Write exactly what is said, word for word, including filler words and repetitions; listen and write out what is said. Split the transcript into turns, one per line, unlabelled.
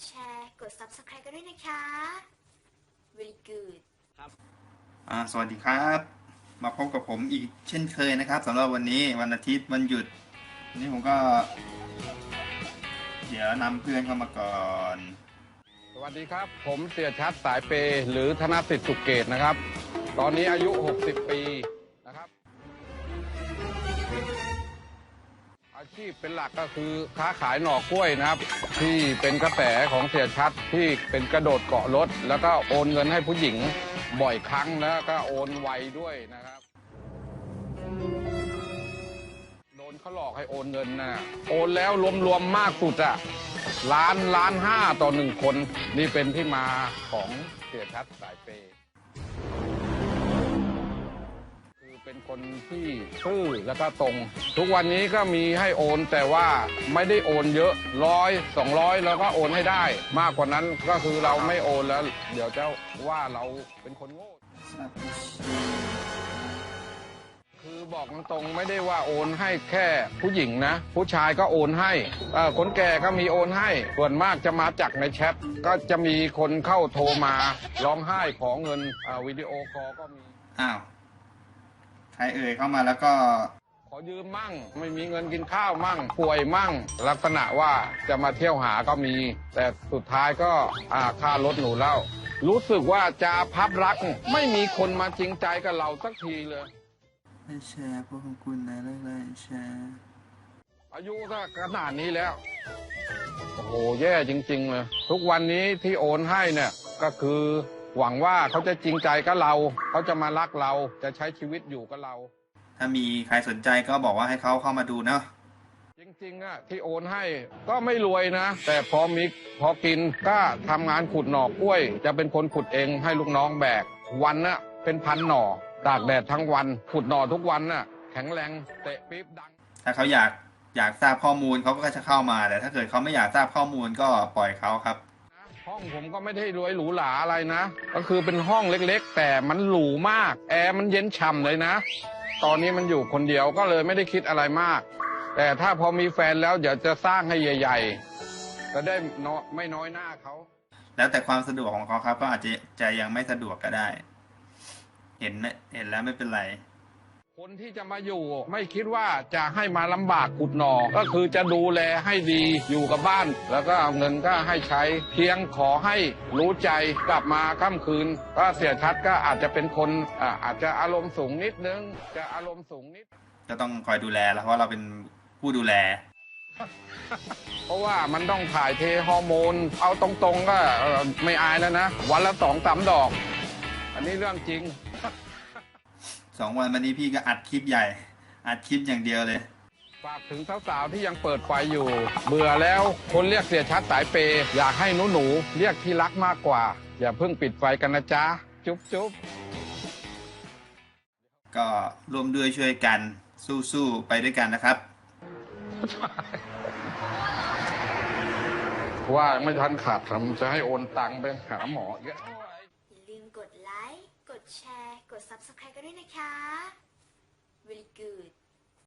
แชร์กด ซับสไครบ์ กันด้วยนะคะ very good
ครับอ่าสวัสดีครับมาพบกับผมอีกเช่นเคยนะครับสำหรับวันนี้วันอาทิตย์วันหยุดวันนี้ผมก็ เดี๋ยวนำเพื่อนเข้ามาก่อน
สวัสดีครับผมเสียชัดสายเปหรือธนสิทธิ์สุขเกตนะครับตอนนี้อายุหกสิบปีนะครับอาชีพเป็นหลักก็คือค้าขายหน่อกล้วยนะครับที่เป็นกระแสของเสียชัดที่เป็นกระโดดเกาะรถแล้วก็โอนเงินให้ผู้หญิงบ่อยครั้งแล้วก็โอนไวด้วยนะครับโดนเขาหลอกให้โอนเงินนะโอนแล้วรวมๆมากสุดอะล้านล้านห้าต่อหนึ่งคนนี่เป็นที่มาของเสียชัดสายเปคือเป็นคนที่ซื่อแล้วก็ตรงทุกวันนี้ก็มีให้โอนแต่ว่าไม่ได้โอนเยอะร้อยสองร้อยแล้วก็โอนให้ได้มากกว่านั้นก็คือเราไม่โอนแล้วเดี๋ยวจะว่าเราเป็นคนโง่คือบอกตรงๆไม่ได้ว่าโอนให้แค่ผู้หญิงนะผู้ชายก็โอนให้คนแก่ก็มีโอนให้ส่วนมากจะมาจากในแชทก็จะมีคนเข้าโทรมาร้องไห้ขอเงินวิดีโอคอลก็มี
อ้าวใครเอ่ยเข้ามาแล้วก็
ขอยืมมั่งไม่มีเงินกินข้าวมั่งป่วยมั่งลักษณะว่าจะมาเที่ยวหาก็มีแต่สุดท้ายก็ค่ารถหนูเล่ารู้สึกว่าจะพับรักไม่มีคนมาจริงใจกับเราสักทีเลย
ไม่แชร์พวกของคุณนะเรื่องอะไรแชร์
อายุก็ขนาดนี้แล้วโอ้โหแย่จริงๆเลยทุกวันนี้ที่โอนให้เนี่ยก็คือหวังว่าเขาจะจริงใจกับเราเขาจะมารักเราจะใช้ชีวิตอยู่กับเรา
ถ้ามีใครสนใจก็บอกว่าให้เขาเข้ามาดูเนาะ
จริงๆอะที่โอนให้ก็ไม่รวยนะแต่พอมีพอกินก็ทำงานขุดหน่อกล้วยจะเป็นคนขุดเองให้ลูกน้องแบกวันน่ะเป็นพันหน่อตากแดดทั้งวันขุดหน่อทุกวันน่ะแข็งแรงเตะปี๊บดัง
ถ้าเขาอยากอยากทราบข้อมูลเขาก็จะเข้ามาแต่ถ้าเกิดเขาไม่อยากทราบข้อมูลก็ปล่อยเขาครับ
ห้องผมก็ไม่ได้รวยหรูหราอะไรนะก็คือเป็นห้องเล็กๆแต่มันหรูมากแอร์มันเย็นฉ่ำเลยนะตอนนี้มันอยู่คนเดียวก็เลยไม่ได้คิดอะไรมากแต่ถ้าพอมีแฟนแล้วเดี๋ยวจะสร้างให้ใหญ่ๆจะได้ไม่น้อยหน้าเขา
แล้วแต่ความสะดวกของเขาครับก็อาจจะจะยังไม่สะดวกก็ได้เห็นเห็นแล้วไม่เป็นไร
คนที่จะมาอยู่ไม่คิดว่าจะให้มาลำบากขุดหน่อก็คือจะดูแลให้ดีอยู่กับบ้านแล้วก็เอาเงินก็ให้ใช้เพียงขอให้รู้ใจกลับมาค่ำคืนก็เสียชัดก็อาจจะเป็นคนอ่าอาจจะอารมณ์สูงนิดนึงจะอารมณ์สูงนิด
ก็ต้องคอยดูแลแล้วเพราะเราเป็นผู้ดูแล
เพราะว่ามันต้องถ่ายเทฮอร์โมนเอาตรงๆก็ไม่อายแล้วนะวันละสองสามดอกอันนี้เรื่องจริง
สองวันวันนี้พี่ก็อัดคลิปใหญ่อัดคลิปอย่างเดียวเลย
ฝากถึงสาวๆที่ยังเปิดไฟอยู่เบื่อแล้วคนเรียกเสียชัดสายเปย์อยากให้หนูๆเรียกที่รักมากกว่าอย่าเพิ่งปิดไฟกันนะจ๊ะจุ๊บจุ๊บ
ก็ร่วมด้วยช่วยกันสู้ๆไปด้วยกันนะครับ
ว่าไม่ทันขาดทำจะให้โอนตังค์ไปหาหมอเยอะ
อย่าลืมกดไลค์กดแชร์กด ซับสไครบ์ กันด้วยนะคะ very good